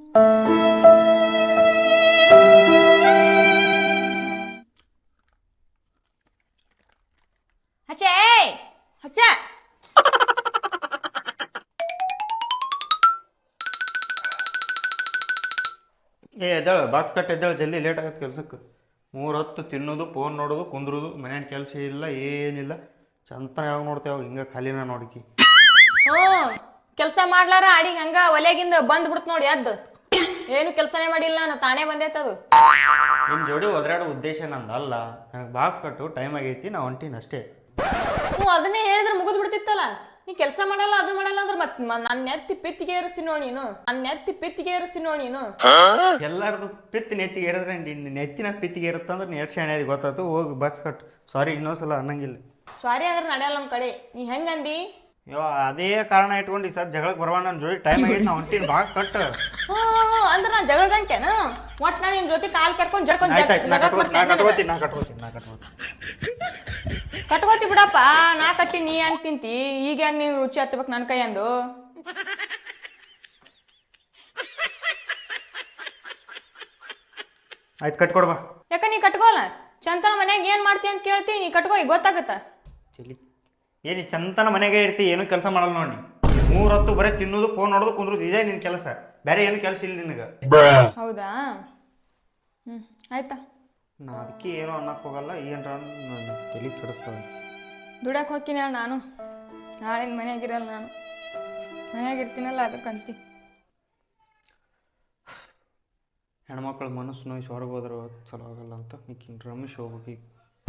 ಹಚ್ಚೆ ಹಚ್ಚ ಎದ್ದೇಳು ಬಾಕ್ಸ್ ಕಟ್ ಎದ್ದೇಳು ಜಲ್ದಿ ಲೇಟ್ ಆಗತ್ತೆ ಕೆಲ್ಸಕ್ಕೆ. 3 ಹೊತ್ತು ತಿನ್ನೋದು ಫೋನ್ ನೋಡೋದು ಕುಂದ್ರೋದು ಮನೇನ ಕೆಲಸ ಇಲ್ಲ ಏನಿಲ್ಲ. ಚಂತನ ಯಾವಾಗ ನೋಡ್ತೇವೆ ಹಿಂಗೆ ಖಾಲಿನ ನೋಡಿಕಿ. ಹ್ಞೂ ಕೆಲಸ ಮಾಡ್ಲಾರ ಅಡಿಗೆ ಹಂಗ ಒಲೆಗಿಂದ ಬಂದ್ ಬಿಡ್ತು ನೋಡಿ ಅದ್ದು ಏನು ಕೆಲಸನೇ ಮಾಡಿಲ್ಲ ನಾನು ತಾನೇ ಬಂದೈತದು. ನಿಮ್ಮ ಜೋಡಿ ಒದರಾಡೋ ಉದ್ದೇಶ ನಂದಲ್ಲ. ನನಗೆ ಬಾಕ್ಸ್ ಕಟ್ಟು ಟೈಮ್ ಆಗೈತಿ ನಾ ಹೊಂಟೀನಿ ಅಷ್ಟೇ. ಹ್ಞೂ ಅದನ್ನೇ ಹೇಳಿದ್ರೆ ಮುಗಿದು ಬಿಡ್ತಿತ್ತಲ್ಲ. ನೀ ಕೆಲಸ ಮಾಡಲ್ಲ ಅದು ಮಾಡಲ್ಲ ಅಂದ್ರೆ ಮತ್ತೆ ನನ್ನ ಎತ್ತಿ ಪಿತ್ತಿಗೆ ಏರಿಸ್ತೀನಿ ನೋಡಿ ನೀನು. ಎಲ್ಲಾರ್ದು ಪಿತ್ತಿ ನೆತ್ತಿಗೆ ಏರಿದ್ರೆ ನೆತ್ತಿನ ಪಿತ್ತಿಗೆ ಇರುತ್ತಂದ್ರೆ ನೀ ಎಷ್ಟು ಶಾಣೆ ಗೊತ್ತಾಯ್ತು. ಹೋಗಿ ಬಾಕ್ಸ್ ಕಟ್ಟು. ಸಾರಿ ಇನ್ನೊಂದ್ಸಲ ಅನ್ನಂಗಿಲ್ಲ. ಸಾರಿ ಅಂದ್ರೆ ನಡೆಯಲ್ಲ ನಮ್ಮ ಕಡೆ. ನೀ ಹೆಂಗಂದಿ? ಅದೇ ಕಾರಣ ಇಟ್ಕೊಂಡು ಈ ಸರ್ ಜಗಳಕ್ಕೆ ಬರವ ನನ್ನ ಜೋಡಿ ಟೈಮ್ ಆಗೈತಿ ನಾ ಹೊಂಟೀನಿ ಬಾಕ್ಸ್ ಕಟ್ಟು. ಅಂದ್ರೆ ನಾ ಜಗಳ ಗಂಟೆನ ಒಟ್ಟು ನಾನು ನಿನ್ನ ಜೊತೆ ಕಾಲ್ ಕಟ್ಕೊಂಡು ಕಟ್ಕೋತಿ ಬಿಡಪ್ಪ. ನಾ ಕಟ್ಟಿ ನೀ ಹೆಂಗ್ ತಿಂತಿ? ಈಗ ಹೆಂಗ್ ನೀನು ರುಚಿ ಹತ್ತಬೇಕು ನನ್ನ ಕೈ ಅಂದು? ಆಯ್ತು ಕಟ್ಕೊಡ್ಬಾ. ಯಾಕ ನೀ ಕಟ್ಕೋಲ್ಲ? ಚಂತನ ಮನ್ಯಾಗ ಏನ್ ಮಾಡ್ತಿ ಅಂತ ಕೇಳ್ತಿ, ನೀ ಕಟ್ಕೋ ಈಗ ಗೊತ್ತಾಗತ್ತ. ಚಲಿ ಏನು ಚಂತನ ಮನೆಗೆ ಇರ್ತಿ, ಏನು ಕೆಲಸ ಮಾಡಲ್ಲ ನೋಡಿ. 3 ಹೊತ್ತು ಬರೀ ತಿನ್ನೋದು ಫೋನ್ ನೋಡೋದು ಕುಂದ್ರೋದು ಇದೇ ನಿನ್ನ ಕೆಲಸ. ಬೇರೆ ಏನು ಕೆಲಸ ಇಲ್ಲ ನಿನಗೆ. ಹೌದಾ? ಆಯ್ತಾ. ನಾ ಅದಕ್ಕೆ ಏನೋ ಅನ್ನಕ್ಕೆ ಹೋಗಲ್ಲ. ಏನರ ತಲೆ ಕೆಡಿಸ್ತಾವೆ. ದುಡಕ್ಕೆ ಹೋಗ್ತೀನಿ ನಾನು. ನಾಳೆ ಮನೆಯಾಗಿರಲ್ಲ, ನಾನು ಮನೆಯಾಗಿರ್ತೀನಲ್ಲ ಅದಕ್ಕಂತಿ. ಹೆಣ್ಮಕ್ಳ ಮನಸ್ಸು ನೋಯ್ಸಿ ಹೊರಗೆ ಹೋದ್ರೆ ಚಲೋ ಆಗಲ್ಲ ಅಂತ ನೀಕಿನ್ ರಮೇಶ್ ಹೋಗ್ಬೇಕು ಈಗ.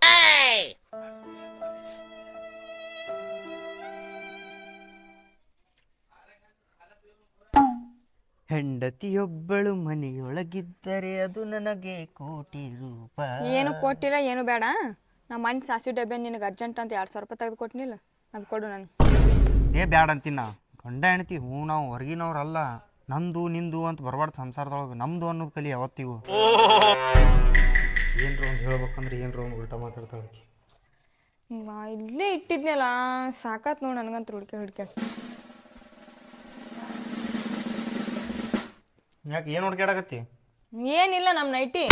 ಹೆಂಡತಿಯೊಬ್ಬಳು ಮನೆಯೊಳಗಿದ್ದರೆ ಅದು ನನಗೆ ಕೋಟಿ ರೂಪಾಯಿ. ಏನು ಕೊಟ್ಟಿಲ್ಲ, ಏನು ಬೇಡ. ನಮ್ಮ ಮನೆ ಸಾಸಿವೆ ಡಬ್ಬೆ ನಿನಗೆ ಅರ್ಜೆಂಟ್ ಅಂತ 2,000 ರೂಪಾಯಿ ತೆಗೆದು ಕೊಟ್ಟಿನಿಲ್ಲ, ಅದು ಕೊಡು ನಾನು. ಬ್ಯಾಡ ಅಂತೀನ. ಗಂಡ ಹೆಣ್ತಿ ಹ್ಞೂ ನಾವು ಹೊರಗಿನವ್ರಲ್ಲ. ನಂದು ನಿಂದು ಅಂತ ಬರಬಾರ್ದು ಸಂಸಾರದೊಳಗೆ. ನಮ್ದು ಅನ್ನೋದು ಕಲಿ ಯಾವತ್ತಿಗೂ. ಏನ್ರ ಒಂದು ಹೇಳ್ಬೇಕಂದ್ರೆ ಏನ್ರ ಒಂದು ಉಲ್ಟಾ ಮಾತಾಡ್ತಾಳೆ. ಇಲ್ಲೇ ಇಟ್ಟಿದ್ನಲ್ಲ, ಸಾಕಾತ್ ನೋಡಿ ನನಗಂತ ಹುಡ್ಕೆ. ಯಾಕೆ ಏನು ಹುಡ್ಕ್ಯಾಡಕತ್ತಿ? ಏನಿಲ್ಲ, ನಮ್ಮ ನೈಟಿ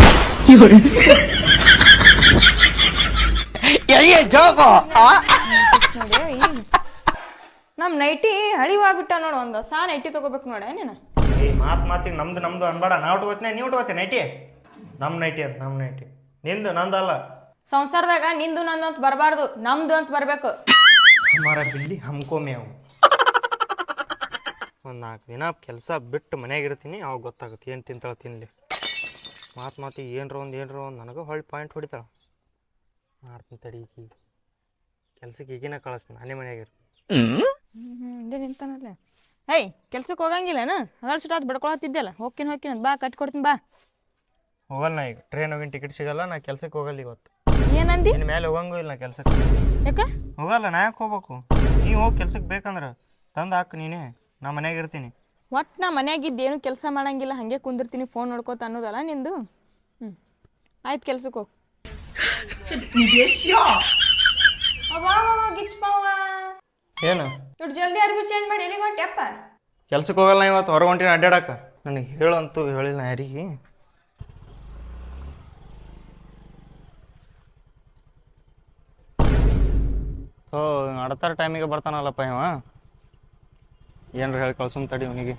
ನಮ್ಮ ನೈಟಿ ಹಳಿವಾಗ್ಬಿಟ್ಟ ನೋಡು. ಒಂದು ಹೊಸ ನೈಟಿ ತಗೋಬೇಕು ನೋಡ ನೀನು. ಮಾತಿಗೆ ನಮ್ದು ಅನ್ಬೇಡ. ನಾ ಉಟ್ಕೋತೀನಿ, ನೀ ಉಟ್ಕೋತೀನಿ ನೈಟಿ. ನಮ್ಮ ನೈಟಿ ಅಂತ ನಮ್ಮ ನೈಟಿ. ನಿಂದು ನಂದಲ್ಲ. ಸಂಸಾರದಾಗ ನಿಂದು ನಂದು ಅಂತ ಬರಬಾರ್ದು, ನಮ್ದು ಅಂತ ಬರಬೇಕು. ಹಮಾರ ಬಿಲ್ಲಿ ಹಮ್ಕೋ ಮೇವು. ಒಂದು 4 ದಿನ ಕೆಲಸ ಬಿಟ್ಟು ಮನ್ಯಾಗ ಇರ್ತೀನಿ, ಅವಾಗ ಗೊತ್ತಾಗುತ್ತೆ ಏನು ತಿಂತಾಳೆ ತಿನ್ನಲಿ. ಮಾತಿಗೆ ಏನರ ಒಂದು ನನಗೆ ಹೊಳ್ಳಿ ಪಾಯಿಂಟ್ ಹೊಡಿತಾಳೆ. ಮಾಡ್ತೀನಿ ತಡಿ. ಈಗ ಕೆಲ್ಸಕ್ಕೆ ಈಗಿನ ಕಳಿಸ್ತೀನಿ, ನಾನೇ ಮನ್ಯಾಗ ಇರ್ತೀನಿ. ಇದೇ ನಿಂತಾನಲ್ಲ. ಹೇಯ್ ಕೆಲ್ಸಕ್ಕೆ ಹೋಗಂಗಿಲ್ಲನ? ಅದಾಳ ಸುಟ್ಟಾದ್ ಬಡ್ಕೊಳತ್ತಿದ್ದಲ್ಲ. ಹೋಗ್ತೀನಿ ಅಂತ ಬಾ, ಕಟ್ಕೊಡ್ತೀನಿ ಬಾ. ಹೋಗಲ್ಲ ನಾ ಈಗ. ಟ್ರೈನ್ ಹೋಗಿನ ಟಿಕೆಟ್ ಸಿಗಲ್ಲ. ನಾ ಕೆಲ್ಸಕ್ಕೆ ಹೋಗಲ್ಲ ಇವತ್ತು. ಏನಂದಿ? ಇನ್ನು ಮೇಲೆ ಹೋಗಂಗೂ ಇಲ್ಲ ನಾ ಕೆಲ್ಸಕ್ಕೆ. ಯಾಕೆ ಹೋಗಲ್ಲ? ನಾ ಯಾಕೆ ಹೋಗ್ಬೇಕು? ನೀವು ಹೋಗಿ ಕೆಲ್ಸಕ್ಕೆ ಬೇಕಂದ್ರೆ ತಂದು ಹಾಕು ನೀನೇ. ನಾ ಮನ್ಯಾಗ ಇರ್ತೀನಿ. ಒಟ್ಟು ನಾ ಮನ್ಯಾಗಿದ್ದೇನು ಕೆಲಸ ಮಾಡಂಗಿಲ್ಲ, ಹಾಗೆ ಕುಂದಿರ್ತೀನಿ ಫೋನ್ ನೋಡ್ಕೋತ ಅನ್ನೋದಲ್ಲ ನಿಂದು. ಆಯ್ತು ಕೆಲ್ಸಕ್ಕೆ ಹೋಗಿ. ಏನು ಇಟ್ಟು ಜಲ್ದಿ ಅರ್ಬಿ ಚೇಂಜ್ ಮಾಡಿ ಎಲ್ಲಿಗೆ ಹೊಂಟೆಪ್ಪ? ಕೆಲ್ಸಕ್ಕೆ ಹೋಗಲ್ಲ ಇವತ್ತು. ಹೊರಗೆ ಹೊಂಟಿನ ಅಡ್ಡಾಡಕ. ನನಗೆ ಹೇಳಂತೂ ಹೇಳಿಲ್ಲ ಯಾರಿಗೆ. ಅಡತಾರ ಟೈಮಿಗೆ ಬರ್ತಾನಲ್ಲಪ್ಪ ಇವ. ಏನ್ರ ಹೇಳಿ ಕಳ್ಸುಮ್ ತಡಿ ಅವನಿಗೆ.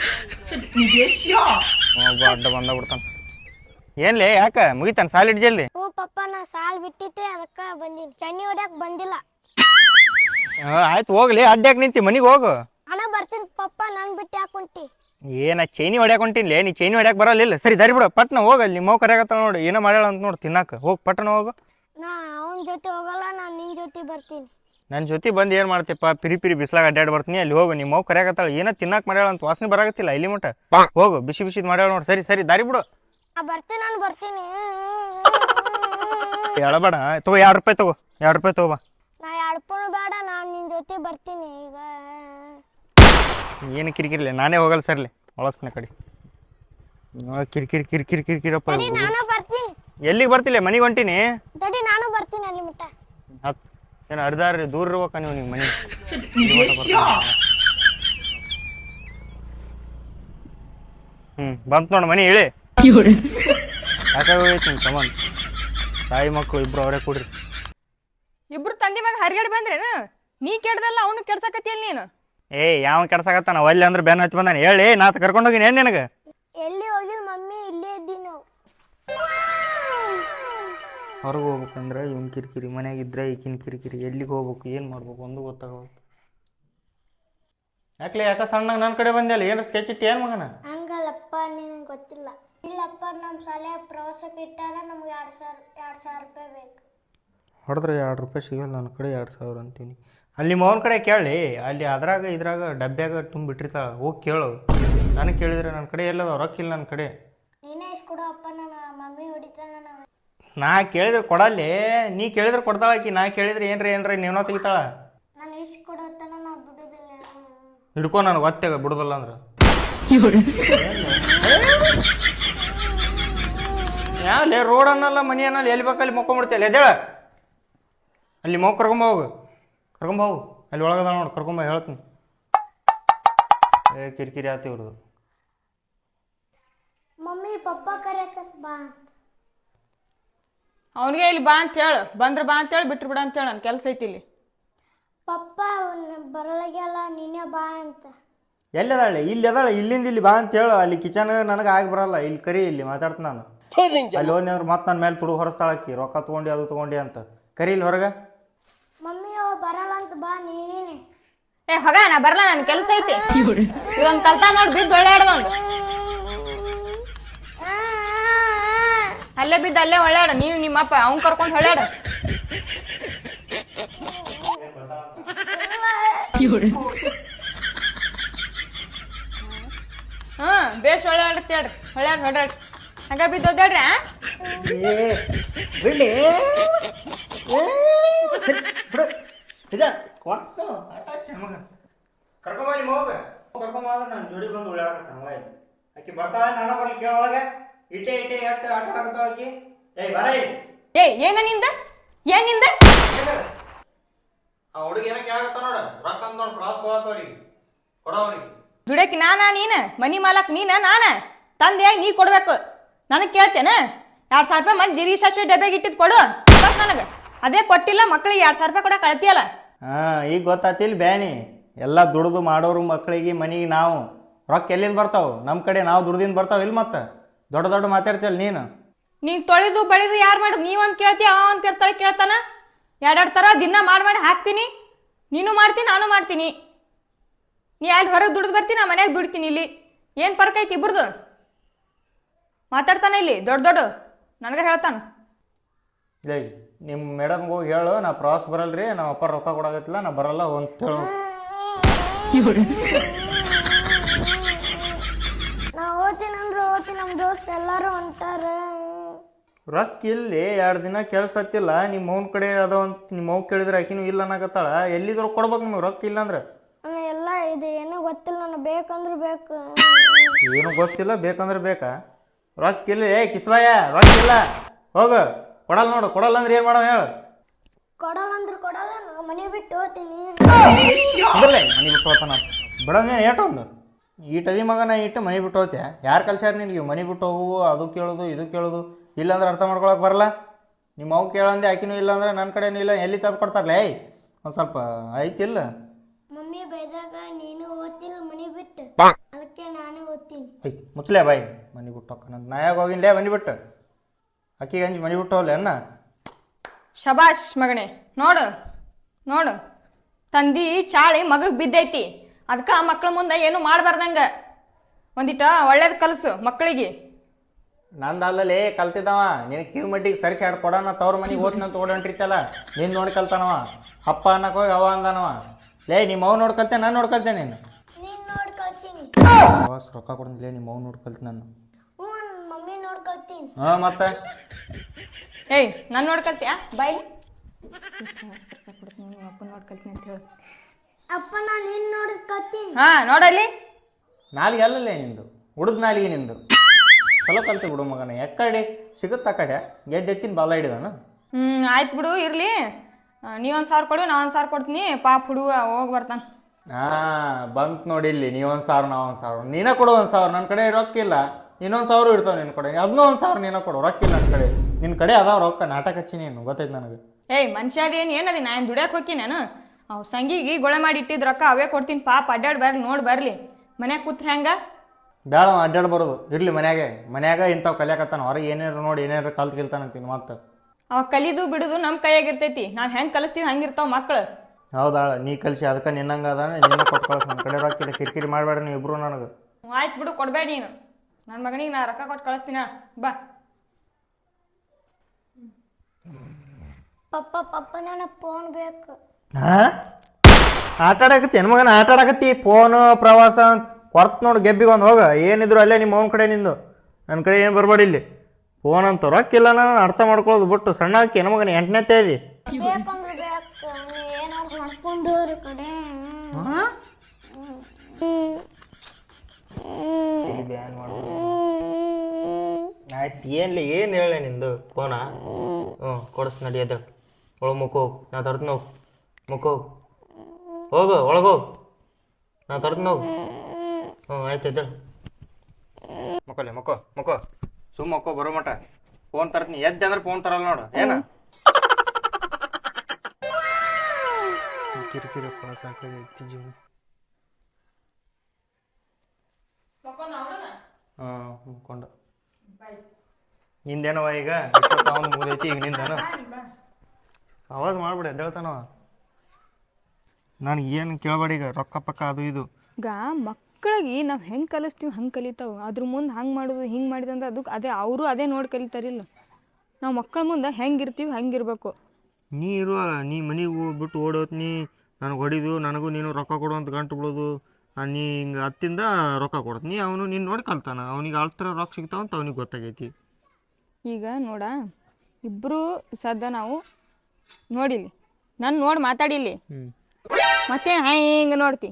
ಒಬ್ಬ ಅಡ್ಡ ಬಿಡ್ತಾನ. ಏನ್ಲೇ ಯಾಕ ಮುಗಿತಾನ ಸಾಲಿಡ್ ಜಲ್ದಿ? ಓ ಪಪ್ಪ, ನಾ ಸಾಲ್ ಬಿಟ್ಟಿದ್ದೆ, ಅದಕ್ಕ ಬಂದೀನಿ. ಚನ್ನಿ ಹೊಡ್ಯಾಕ ಬಂದಿಲ್ಲ. ಆಯ್ತು ಹೋಗ್ಲಿ. ಅಡ್ಡಾಕ್ ನಿಂತಿ, ಮನಿಗೆ ಹೋಗು. ಅಣ್ಣ ಬರ್ತೀನಿ ಪಪ್ಪ, ನನ್ ಬಿಟ್ಟು ಯಾಕೊಂಟಿ? ಏನ ಚೈನಿ ಹೊಡ್ಯಾಕ ಹೊಂಟಿನ್ಲೇ? ನೀ ಚೈನಿ ಹೊಡ್ಯಾಕ ಬರಲ್ಲ. ಸರಿ ದಾರಿ ಬಿಡು, ಪಟ್ನ ಹೋಗಲ್ಲಿ. ನಿಮ್ಮ ಮಗು ಕರೆಯಾಗತ್ತಾಳ ನೋಡಿ, ಏನೋ ಮಾಡ್ಯಾಳ ಅಂತ ನೋಡಿ ತಿನ್ನಾಕ. ಹೋಗಿ ಪಟ್ಟಣ ಹೋಗು. ನಾ ಅವನ ಜೊತೆ ಹೋಗಲ್ಲ, ನಾನು ನಿನ್ ಜೊತೆ ಬರ್ತೀನಿ. ನನ್ನ ಜೊತೆ ಬಂದು ಏನು ಮಾಡ್ತೀಪ್ಪ? ಪಿರಿ ಬಿಸ್ಲಾಗ ಅಡ್ಡಾಡಿ ಬರ್ತೀನಿ. ಅಲ್ಲಿ ಹೋಗು. ನಿಮ್ಮ ಮಗು ಕರೆಯಾಗತ್ತಾಳ, ಏನೋ ತಿನ್ನಾಕ ಮಾಡ್ಯಾಳ ಅಂತ. ವಾಸನೆ ಬರಾಗತ್ತಿಲ್ಲ ಇಲ್ಲಿ ಮಟ್ಟ. ಹೋಗು, ಬಿಸಿದ್ ಮಾಡ್ಯಾಳ ನೋಡಿ. ಸರಿ ದಾರಿ ಬಿಡು. ನಾ ಬರ್ತೀನಿ, ನಾನು ಬರ್ತೀನಿ. ಹೇಳಬೇಡ. ತಗೋ 2 ರೂಪಾಯಿ ತಗೋ. 2 ರೂಪಾಯಿ ತಗೋಬಾ. ನಾ 2 ರೂಪಾಯಿ ಬೇಡ, ನಾನು ನಿನ್ ಜೊತೆ ಬರ್ತೀನಿ ಈಗ. ಏನು ಕಿರಿಕಿರಿಲ್ಲ, ನಾನೇ ಹೋಗಲ್ಲ ಸರ್ಲಿ. ಒಳಸ್ನ ಕಡೆ ಕಿರಿಕಿರಪ್ಪ. ನಾನು ಬರ್ತೀನಿ. ಎಲ್ಲಿಗೆ ಬರ್ತಿಲ್ಲ? ಮನೆಗೆ ಹೊಂಟೀನಿ. ತಡಿ, ನಾನು ಬರ್ತೀನಿ ಅಲ್ಲಿ ಮಟ್ಟ. ಏನು ಅರ್ಧಾರಿ ದೂರ ಇರ್ಬೇಕ ನೀವು ನಿಮ್ಮ ಮನೆ? ಬಂತು ನೋಡಿ ಮನೆ ಹೇಳಿ ಯಾಕೆ ಹೋಗೈತಿ ನಿಮ್ಮ ಸಂಬಂಧ ತಾಯಿ ಮಕ್ಕಳು ಇಬ್ರು ಅವರೇ ಕೂಡ್ರಿ. ಇಬ್ರು ತಂದೆ ಮ್ಯಾಗ ಹರಿಗಡೆ ಬಂದ್ರೇನು? ನೀ ಕೆಡ್ದಲ್ಲ ಅವನು ಕೆಡ್ಸಕತ್ತಿಯಲ್ಲ ನೀನು. ಯಾವ ಕೆಡ್ಸಾಕತ್ತಾನ ಒಲ್ಲೆ ಅಂದ್ರೆ ಬೆನ್ನ ಹಚ್ಚಿ ಬಂದಾನೆ ಹೇಳಿ ನಾತ್ ಕರ್ಕೊಂಡು ಹೋಗಿನಿ ಏನು ನಿನಗೆ? ಎಲ್ಲಿ ಹೋಗಿಲ್ಲ ಮಮ್ಮಿ, ಇಲ್ಲೇ ಇದ್ದೀವಿ ನಾವು. ಹೊರಗೆ ಹೋಗ್ಬೇಕಂದ್ರೆ ಇವ್ನ ಕಿರಿಕಿರಿ, ಮನೆಯಾಗಿದ್ರೆ ಈಕಿನ ಕಿರಿಕಿರಿ, ಎಲ್ಲಿಗೆ ಹೋಗ್ಬೇಕು ಏನು ಮಾಡ್ಬೇಕು ಒಂದು ಗೊತ್ತಾಗಬೇಕು. ಯಾಕೆ ಸಣ್ಣಗೆ ನನ್ನ ಕಡೆ ಬಂದಿಲ್ಲ, ಏನು ಸ್ಕೆಚ್ ಇಟ್ಟು ಏನು ಮಗನ? ಹಂಗಲ್ಲಪ್ಪ, ನಿನಗೆ ಗೊತ್ತಿಲ್ಲ. ಇಲ್ಲಪ್ಪ, ನಮ್ಮ ಶಾಲೆಯ ಪ್ರವಾಸಕ್ಕೆ ಇಟ್ಟಾರ, ನಮ್ಗೆ 2,000 ರೂಪಾಯಿ ಬೇಕು. ಹೊಡೆದ್ರೆ 2 ರೂಪಾಯಿ ಸಿಗಲ್ಲ, ನನ್ನ ಕಡೆ 2,000 ಅಂತೀನಿ. ಅಲ್ಲಿ ಮೌನ ಕಡೆ ಕೇಳಿ, ಅಲ್ಲಿ ಅದ್ರಾಗ ಇದ್ರಾಗ ಡಬ್ಬ್ಯಾಗ ತುಂಬಿಟ್ಟಿರ್ತಾಳೆ, ಹೋಗಿ ಕೇಳು. ನನಗೆ ಕೇಳಿದ್ರೆ ನನ್ನ ಕಡೆ ಎಲ್ಲದ ರೊಕ್ಕ ಇಲ್ಲ ನನ್ನ ಕಡೆ. ನೀನೇ ಇಸ್ಕೊಡು ಅಪ್ಪ, ನನ್ನ ಮಮ್ಮಿ ಹೊಡಿತಾಳ. ನಾ ಕೇಳಿದ್ರೆ ಕೊಡಲ್ಲಿ, ನೀ ಕೇಳಿದ್ರೆ ಕೊಡ್ತಾಳಾಕಿ, ನಾ ಕೇಳಿದ್ರೆ ಏನ್ರಿ ನೀವನ್ನ ತೆಗಿತಾಳ. ನಾನು ಇಸ್ಕೊಡು ತನ ನಾ ಬಿಡೋದಿಲ್ಲ. ಹಿಡ್ಕೊ ನನಗೆ ಒತ್ತೆಗ ಬಿಡೋದಿಲ್ಲ ಅಂದ್ರೆ ಯಾವಲೇ ರೋಡ್ ಅನ್ನಲ್ಲ ಮನಿ ಅನ್ನಲ್ಲ, ಎಲ್ಲಿ ಬೇಕಲ್ಲಿ ಮೊಕ್ಕೊಂಬಿಡ್ತೀಯಲ್ಲ ಎದ್ದೇಳ. ಅಲ್ಲಿ ಮಗು ಕರ್ಕೊಂಬೋಗು ಅಲ್ಲಿ ಒಳಗದ ನೋಡಿ, ಕರ್ಕೊಂಬ ಹೇಳ್ತೀನಿ. ಕಿರಿಕಿರಿ ಆತ ಇವ್ರದು. ಮಮ್ಮಿ ಪಪ್ಪ ಕರೆಯತ್ತಾರ ಬಾ ಅಂತ. ಅವನಿಗೆ ಇಲ್ಲಿ ಬಾ ಅಂತ ಹೇಳು, ಬಂದ್ರೆ ಬಾ ಅಂತ ಹೇಳಿ, ಬಿಟ್ರು ಬಿಡ ಅಂತ ಹೇಳಿ, ನನ್ನ ಕೆಲಸ ಐತಿ ಇಲ್ಲಿ. ಪಪ್ಪ ಬರಲಾಗ್ಯಲ್ಲ, ನೀನೇ ಬಾ ಅಂತ. ಎಲ್ಲಿದಾಳೆ? ಇಲ್ಲಿ ಅದಾಳೆ, ಇಲ್ಲಿಂದ ಇಲ್ಲಿ ಬಾ ಅಂತ ಹೇಳು. ಅಲ್ಲಿ ಕಿಚನ್ ನನಗೆ ಆಗಿ ಬರಲ್ಲ, ಇಲ್ಲಿ ಕರಿ, ಇಲ್ಲಿ ಮಾತಾಡ್ತೀನಿ ನಾನು. ಅಲ್ಲಿ ಹೋದ್ನಿ ಅಂದ್ರೆ ಮತ್ತೆ ನನ್ನ ಮೇಲೆ ತುಡುಗು ಹೊರಸ್ತಾಳಕ್ಕಿ, ರೊಕ್ಕ ತೊಗೊಂಡು ಅದು ತೊಗೊಂಡು ಅಂತ. ಕರಿ ಇಲ್ಲಿ ಹೊರಗೆ. ಮಮ್ಮಿ ಬರಲ್ಲ ಅಂತ ಬಾ ನೀನೇನೆ. ಹೊಗ ನಾ ಬರಲ್ಲ, ನನ್ನ ಕೆಲಸ ಐತಿ. ಇದೊಂದು ಕಲ್ತ ನೋಡಿ ಬಿದ್ದು ಒಳ್ಳೆಯಾಡ್ದೊಂದು, ಅಲ್ಲೇ ಬಿದ್ದು ಅಲ್ಲೇ ಒಳ್ಳೆಯಾಡ. ನೀನು ನಿಮ್ಮಪ್ಪ ಅವ್ನು ಕರ್ಕೊಂಡು ಹೊಳ್ಯಾಡ. ಬೇಸ್ ಒಳ್ಳೆಯಾಡತ್ತೆ ಹೇಳ್ರಿ, ಹೊಳ್ಯಾಡ್ರಿ ಹಂಗ ಬಿದ್ದು ಒದ್ದಾಡ್ರಿ. ನಾನು ಜೋಡಿ ಬಂದು ಉಳ್ಳಾಡಕತ್ತಾನ ಆಕಿ ಬರ್ತಾಳ, ನಾನು ಬರ್ಲಿ ಕೇಳೊಳಗೆ. ಇಟ್ಟೆ ಎಷ್ಟು ಆಟ ಆಡಕತ್ತಾಳ ಆಕಿ. ಬರ ಏನ ನಿಂದ ಏನ್ ನಿಂದ? ಆ ಹುಡುಗಿ ಏನೋ ಕೇಳಕತ್ತ ನೋಡ, ರೊಕ್ಕ ಅಂತ ನೋಡಿ ಪ್ರಾಸ್ ಹೋಗತ್ತವ್ರಿಗೆ ಕೊಡೋವ್ರಿಗೆ. ದುಡಕಿ ನಾನಾ ನೀನ? ಮನಿ ಮಾಲಕ್ ನೀನ ನಾನ? ತಂದೆ ನೀ ಕೊಡ್ಬೇಕು. ನನಗೆ ಕೇಳ್ತೇನೆ? 2,000 ರೂಪಾಯಿ ಮಂದಿ ಜೀರಿಗೆ ಸಾಸಿವೆ ಡಬ್ಬ್ಯಾಗ ಇಟ್ಟಿದ್ ಕೊಡು ನನಗೆ. ಅದೇ ಕೊಟ್ಟಿಲ್ಲ, ಮಕ್ಳಿಗೆ 2,000 ರೂಪಾಯಿ ಕೊಡ ಕಳ್ತಿಯಲ್ಲ. ಈಗ ಗೊತ್ತಾತಿಲ್ ಬ್ಯಾನಿ. ಎಲ್ಲ ದುಡ್ದು ಮಾಡೋರು ಮಕ್ಕಳಿಗೆ ಮನಿಗೆ ನಾವು ರೊಕ್ಕ ಎಲ್ಲಿಂದ ಬರ್ತಾವ? ನಮ್ಮ ಕಡೆ ನಾವು ದುಡ್ದಿಂದ ಬರ್ತಾವ ಇಲ್ಲಿ. ಮತ್ತೆ ದೊಡ್ಡ ಮಾತಾಡ್ತಿಯಲ್ಲ ನೀನು. ನೀನು ತೊಳೆದು ಬಳಿದು ಯಾರು ಮಾಡೋದು? ನೀವಂತ ಕೇಳ್ತೀಯ, ಅಂತ ಇರ್ತಾರೆ ಕೇಳ್ತಾನ. 2 ಥರ ದಿನ ಮಾಡಿ ಹಾಕ್ತೀನಿ. ನೀನು ಮಾಡ್ತೀನಿ, ನಾನು ಮಾಡ್ತೀನಿ. ನೀ ಅಲ್ಲಿ ಹೊರಗೆ ದುಡ್ದು ಬರ್ತೀನಿ, ನಾ ಮನ್ಯಾಗ ದುಡ್ತೀನಿ. ಇಲ್ಲಿ ಏನು ಫರ್ಕ್ ಐತಿ ಇಬ್ರದು? ಮಾತಾಡ್ತಾನೆ ಇಲ್ಲಿ ದೊಡ್ಡ ನನಗೆ ಹೇಳ್ತಾನ. ನಿಮ್ಮ ಮೇಡಮ್ಗೆ ಹೋಗಿ ಹೇಳು, ನಾ ಪ್ರವಾಸ ಬರಲ್ರಿ, ನಮ್ಮ ಅಪ್ಪ ರೊಕ್ಕ ಕೊಡಾಗತ್ತಿಲ್ಲ, ನಾ ಬರಲ್ಲ ಅಂತ ಹೇಳು. ನಾ ಓದ್ತೀನಿ ಅಂದ್ರೆ ಓದ್ತೀನಿ, ನಮ್ಮ ದೋಸ್ತ ಎಲ್ಲರೂ ಹೊಂಟಾರ. ರೊಕ್ಕ ಇಲ್ಲಿ 2 ದಿನ ಕೆಲಸ ಹತ್ತಿಲ್ಲ, ನಿಮ್ಮ ಮೌನ ಕಡೆ ಅದ ಅಂತ ನಿಮ್ಮ ಮೌ ಕೇಳಿದ್ರೆ ಆಕಿನೂ ಇಲ್ಲ ಅನ್ನಕತ್ತಾಳ. ಎಲ್ಲಿದ್ರು ಕೊಡ್ಬೇಕು ನಿಮಗೆ ರೊಕ್ಕ ಇಲ್ಲ ಅಂದ್ರೆ? ಎಲ್ಲ ಇದು ಏನೂ ಗೊತ್ತಿಲ್ಲ, ನನಗೆ ಬೇಕಂದ್ರೆ ಬೇಕು. ಏನು ಗೊತ್ತಿಲ್ಲ, ಬೇಕಂದ್ರೆ ಬೇಕಾ? ರೊಕ್ಕ ಇಲ್ಲ. ಕಿಸ್ಬಾಯ ರೊಕ್ಕ ಇಲ್ಲ, ಹೋಗು. ಕೊಡಲ್ಲ ನೋಡು, ಕೊಡಲ್ಲ ಅಂದ್ರೆ ಏನು ಮಾಡೋ ಹೇಳು? ಕೊಡಲ್ಲ ಅಂದ್ರೆ ಕೊಡಲ್ಲ, ನಾ ಮನೆ ಬಿಟ್ಟು ಹೋಗ್ತೀನಿ. ಮನೆ ಬಿಟ್ಟು ಹೋಗ್ತಾನ ಬಿಡೋದೇನು ಏಟೊಂದು ಈಟದಿ ಮಗನ ಇಟ್ಟು ಮನೆ ಬಿಟ್ಟು ಹೋಗ್ತೆ. ಯಾರು ಕಲ್ಸ್ಯಾರ ನಿನಗೆ ಮನೆ ಬಿಟ್ಟು ಹೋಗುವು? ಅದು ಕೇಳೋದು ಇದು ಕೇಳೋದು. ಇಲ್ಲಾಂದ್ರೆ ಅರ್ಥ ಮಾಡ್ಕೊಳಕ್ಕೆ ಬರಲ್ಲ. ನಿಮ್ಮ ಅವು ಕೇಳಂದೆ ಆಕಿನೂ ಇಲ್ಲ ಅಂದ್ರೆ ನನ್ನ ಕಡೆನೂ ಇಲ್ಲ, ಎಲ್ಲಿ ತಂದು ಕೊಡ್ತಾರಲ್ಲ? ಒಂದು ಸ್ವಲ್ಪ ಐತಿಲ್ಲ. ಮಮ್ಮಿ ಬೈದಾಗ ನೀನು ಓದ್ತಿಲ್ಲ ಮನೆ ಬಿಟ್ಟು, ಅದಕ್ಕೆ ನಾನೇ ಓದ್ತೀನಿ. ಮುಚ್ಚಲೇ ಬಾಯ್, ಮನೆ ಬಿಟ್ಟು ಹೋಗ್ತಾನಂತ. ನಾ ಯಾಕೆ ಹೋಗಿನ್ಲೇ ಮನೆ ಬಿಟ್ಟು? ಅಕ್ಕಿಗೆ ಹಂಚಿ ಮನೆ ಬಿಟ್ಟು ಹೋಗ್ಲೆ ಅನ್ನ? ಶಬಾಷ್ ಮಗನೇ. ನೋಡು ತಂದಿ ಚಾಳಿ ಮಗಗೆ ಬಿದ್ದೈತಿ. ಅದಕ್ಕೆ ಆ ಮಕ್ಳ ಮುಂದೆ ಏನು ಮಾಡಬಾರ್ದಂಗ ಒಂದಿಟ ಒಳ್ಳೇದು ಕಲಸು ಮಕ್ಕಳಿಗೆ. ನಂದು ಅಲ್ಲಲ್ಲಿ ಕಲ್ತಿದ್ದವ. ನೀನು ಕಿವಿ ಮಟ್ಟಿಗೆ ಸರಿಸಿ ಆಡ್ ಕೊಡೋಣ, ತವ್ರ ಮನೆಗೆ ಓದ್ನ ಅಂತ ಓಡಂಟಿರ್ತಲ್ಲ, ನೀನು ನೋಡಿ ಕಲ್ತಾನವ. ಅಪ್ಪ ಅನ್ನಕ್ಕೆ ಹೋಗಿ ಅವ ಅಂದನವ. ನಿಮ್ಮ ಅವ್ ನೋಡಿ ಕಲ್ತೆ, ನಾನು ನೋಡ್ಕಲ್ತೇನೆ. ನೀನು ನೋಡಿ ಕಲ್ತೀನಿ. ರೊಕ್ಕ ಕೊಡಂದಿಲ್ಲ, ನಿಮ್ಮ ಅವ್ ನೋಡಿ ಕಲ್ತಿ ನಾನು. ಮಮ್ಮಿ ನೋಡಿ ಕಲ್ತೀನಿ. ಮತ್ತೆ ನಾನು ನೋಡ್ಕಲ್ತೀಯಾ? ಬಾಯ್ ಅಪ್ಪ ನೋಡ್ಕಲ್ತೀನಿ ಅಂತ ಹೇಳು. ಅಪ್ಪ ನಾನು ನೀನು ನೋಡಿ ಕಲ್ತೀನಿ. ನೋಡಲ್ಲಿ ನಾಲಿಗೆ ಅಲ್ಲಲ್ಲೇ ನಿಂದು, ಉಡ್ದು ನಾಲಿಗೆ ನಿಂದು. ಚಲೋ ಕಲ್ತಿ ಬಿಡು ಮಗನ. ಎಕ್ಕಡೆ ಸಿಗುತ್ತ ಆ ಕಡೆ ಗೆದ್ದೆತ್ತಿನ ಬಾಲ ಹಿಡಿದಾನ. ಆಯ್ತು ಬಿಡು, ಇರಲಿ. ನೀ 1,000 ಕೊಡು, ನಾ 1,000 ಕೊಡ್ತೀನಿ. ಪಾಪ ಹುಡುಗ ಹೋಗಿ ಬರ್ತಾನೆ. ಬಂತು ನೋಡಿ ಇಲ್ಲಿ ನೀವೊಂದು ಸಾವಿರ ನಾ ಒಂದು ಸಾವಿರ ನೀನ ಕೊಡು 1,000 ನನ್ನ ಕಡೆ ರೊಕ್ಕ ಇಲ್ಲ ಇನ್ನೊಂದು 1,000 ಇರ್ತಾವೆ ನಿನ್ನ ಕಡೆ ಅದನ್ನೂ 1,000 ನೀನ ಕೊಡು ರೊಕ್ಕ ಇಲ್ಲ ನನ್ನ ಕಡೆ ನಿನ್ನ ಕಡೆ ಅದಾವ ರೊಕ್ಕ ನಾಟಕ ಹಚ್ಚಿ ನೀನು ಗೊತ್ತೈತೆ ನನಗೆ. ಏಯ್ ಮನುಷ್ಯ ಅದೇನು ಏನದಿ ನಾನು ದುಡ್ಯಾಕೆ ಹೋಗಿ ನಾನು ಅವು ಸಂಗಿಗೆ ಗೊಳೆ ಮಾಡಿ ಇಟ್ಟಿದ್ದು ರೊಕ್ಕ ಅವೇ ಕೊಡ್ತೀನಿ ಪಾಪ ಅಡ್ಡಾಡಿ ಬರ್ಲಿ ನೋಡಿ ಬರಲಿ ಮನ್ಯಾಗ ಕೂತ್ರೆ ಹೆಂಗ ಬೇಡ ಅಡ್ಡಾಡ್ ಬರೋದು ಇರಲಿ ಮನ್ಯಾಗ ಇಂಥವು ಕಲಿಯಾಕತ್ತಾನ ಹೊರಗೆ ಏನೇನು ನೋಡಿ ಏನೇನು ಕಲ್ತು ಗೆಲ್ತಾನಂತೀನಿ ಮತ್ತೆ ಅವ ಕಲಿದು ಬಿಡುದು ನಮ್ಮ ಕೈಯಾಗಿರ್ತೈತಿ ನಾವು ಹೆಂಗೆ ಕಲಿಸ್ತೀವಿ ಹಂಗಿರ್ತಾವ ಮಕ್ಕಳು. ಹೌದಾಳ ನೀ ಕಲಿಸಿ ಅದಕ್ಕೆ ನಿನ್ನಂಗೆ ಅದಾನೆ ನಿನ್ನ ಕೊಟ್ಟು ಕಳ್ಸ ನನ್ನ ಕಡೆ ರೊಕ್ಕ ಇಲ್ಲ ಕಿರಿಕಿರಿ ಮಾಡಬೇಡ ನೀವು ಇಬ್ರು ನನಗೆ. ಆಯ್ತು ಬಿಡು ಕೊಡ್ಬೇಡ ನೀನು ನನ್ನ ಮಗನಿಗೆ ನಾ ರೊಕ್ಕ ಕೊಟ್ಟು ಕಳಿಸ್ತೀನ ಬಾ. ಪಪ್ಪ ನನಗೆ ಫೋನ್ ಬೇಕು. ಹಾಂ ಆಟ ಆಡಕತ್ತಿ ಹೆಣ್ಮಗನ ಆಟ ಆಡಕತ್ತಿ ಫೋನು ಪ್ರವಾಸ ಕೊಡ್ತು ನೋಡು ಗೆಬ್ಬಿಗೆ ಒಂದು ಹೋಗ ಏನಿದ್ರು ಅಲ್ಲೇ ನಿಮ್ಮ ಅವನ ಕಡೆ ನಿಂದು ನನ್ನ ಕಡೆ ಏನು ಬರಬೇಡ ಇಲ್ಲಿ ಫೋನ್ ಅಂತ ರೊಕ್ಕಿಲ್ಲ ನಾನು ಅರ್ಥ ಮಾಡ್ಕೊಳ್ಳೋದು ಬಿಟ್ಟು ಸಣ್ಣ ಹಾಕಿ ಹೆಣ್ಮಗನ 8ನೇ ಇದಿ ಬೇಕಂದ್ರೆ ಬೇಕು ಏನಾದ್ರು ಮಾಡ್ಕೊಂಡವ್ರ ಕಡೆ ಆಯ್ತು ಏನ್ಲಿ ಏನು ಹೇಳಿ ನಿಂದು ಫೋನಾ ಕೊಡಿಸ್ ನಡಿ ಅದ ಒಳಗೆ ಮುಖ ಹೋಗು ನಾ ತರ್ತೀನಿ ಹೋಗು ಮುಖ ಹೋಗು ಒಳಗೋಗು ನಾ ತರ್ತೀನಿ ಹೋಗು ಆಯ್ತು ಎದ್ದೇಳು ಮಕ್ಕಳೇ ಮಕ್ಕೋ ಸುಮ್ಮ ಮಕ್ಕೋ ಬರೋ ಮಟ ಫೋನ್ ತರ್ತೀನಿ ಎದ್ದೆ ಅಂದ್ರೆ ಫೋನ್ ತರಲ್ಲ ನೋಡು ಏನ ಕಿರಿಕಿರಿ ಸಾಕಾಗೈತಿ ಜೀವ. ಮುಕ್ಕೊಂಡ ನಿಂದೇನವ ಈಗ ಅವನು ಮುಗಿದೈತಿ ಈಗ ನಿಂದೇನು ಆವಾಜ್ ಮಾಡ್ಬಿಡಿ ಎದ್ದೇಳ್ತಾನವ ನನಗೆ ಏನು ಕೇಳಬೇಡಿ ಈಗ ರೊಕ್ಕ ಪಕ್ಕ ಅದು ಇದು ಈಗ ಮಕ್ಕಳಿಗೆ ನಾವು ಹೆಂಗೆ ಕಲಿಸ್ತೀವಿ ಹಂಗೆ ಕಲಿತಾವೆ ಅದ್ರ ಮುಂದೆ ಹಂಗೆ ಮಾಡೋದು ಹಿಂಗೆ ಮಾಡಿದಂದ್ರೆ ಅದಕ್ಕೆ ಅದೇ ಅವರು ಅದೇ ನೋಡಿ ಕಲಿತಾರಿಲ್ಲ ನಾವು ಮಕ್ಕಳ ಮುಂದೆ ಹೆಂಗಿರ್ತೀವಿ ಹಂಗಿರ್ಬೇಕು. ನೀ ಇರುವ ನೀ ಮನೆಗೆ ಬಿಟ್ಟು ಓಡೋತ್ ನೀ ನನಗೆ ಹೊಡಿದು ನನಗೂ ನೀನು ರೊಕ್ಕ ಕೊಡು ಅಂತ ಗಂಟು ಬಿಡೋದು ನೀ ಹಿಂಗೆ ಹತ್ತಿಂದ ರೊಕ್ಕ ಕೊಡ್ತ ನೀ ಅವನು ನೀನು ನೋಡಿ ಕಲ್ತಾನ ಅವ್ನಿಗೆ ಅಳ್ತರ ರೊಕ್ಕ ಸಿಗ್ತಾವಂತ ಅವ್ನಿಗೆ ಗೊತ್ತಾಗೈತಿ. ಈಗ ನೋಡ ಇಬ್ಬರು ಸದ್ದ ನಾವು ನೋಡಿಲಿ ನಾನು ನೋಡಿ ಮಾತಾಡಿಲಿ ಮತ್ತೆ ಹಿಂಗೆ ನೋಡ್ತಿ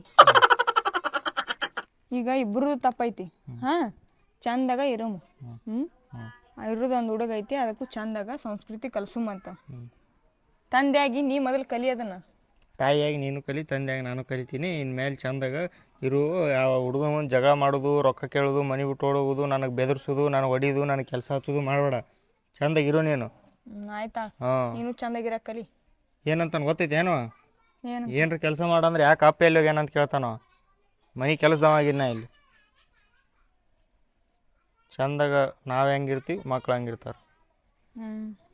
ಈಗ ಇಬ್ಬರು ತಪ್ಪೈತಿ ಹಾಂ ಚಂದಾಗ ಇರಮು ಇರೋದೊಂದು ಹುಡುಗ ಐತಿ ಅದಕ್ಕೂ ಚಂದಾಗ ಸಂಸ್ಕೃತಿ ಕಲ್ಸುಮಂತ ತಂದೆಯಾಗಿ ನೀ ಮೊದಲು ಕಲಿಯೋದನ್ನ ತಾಯಿಯಾಗಿ ನೀನು ಕಲಿ ತಂದೆಯಾಗಿ ನಾನು ಕಲಿತೀನಿ ಇನ್ಮೇಲೆ ಚಂದಾಗ ಇರು ಯಾವ ಹುಡುಗ ಒಂದು ಜಗಳ ಮಾಡೋದು ರೊಕ್ಕ ಕೇಳೋದು ಮನೆ ಬಿಟ್ಟು ಓಡೋಗೋದು ನನಗೆ ಬೆದರ್ಸೋದು ನನಗೆ ಹೊಡಿಯೋದು ನನಗೆ ಕೆಲಸ ಹಚ್ಚೋದು ಮಾಡಬೇಡ ಚಂದಾಗಿರು ನೀನು. ಆಯ್ತಾ ಹಾಂ ನೀನು ಚಂದಾಗಿರ ಕಲಿ ಏನಂತ ಗೊತ್ತೈತೆ ಏನೋ ಏನು ಏನ್ರ ಕೆಲಸ ಮಾಡಂದ್ರೆ ಯಾಕೆ ಅಪ್ಪ ಎಲ್ಲಿ ಏನಂತ ಕೇಳ್ತಾನೋ ಮನೆ ಕೆಲಸದವಾಗಿನ ಇಲ್ಲಿ ಚಂದಾಗ ನಾವು ಹೆಂಗಿರ್ತೀವಿ ಮಕ್ಳು ಹಂಗಿರ್ತಾರೆ.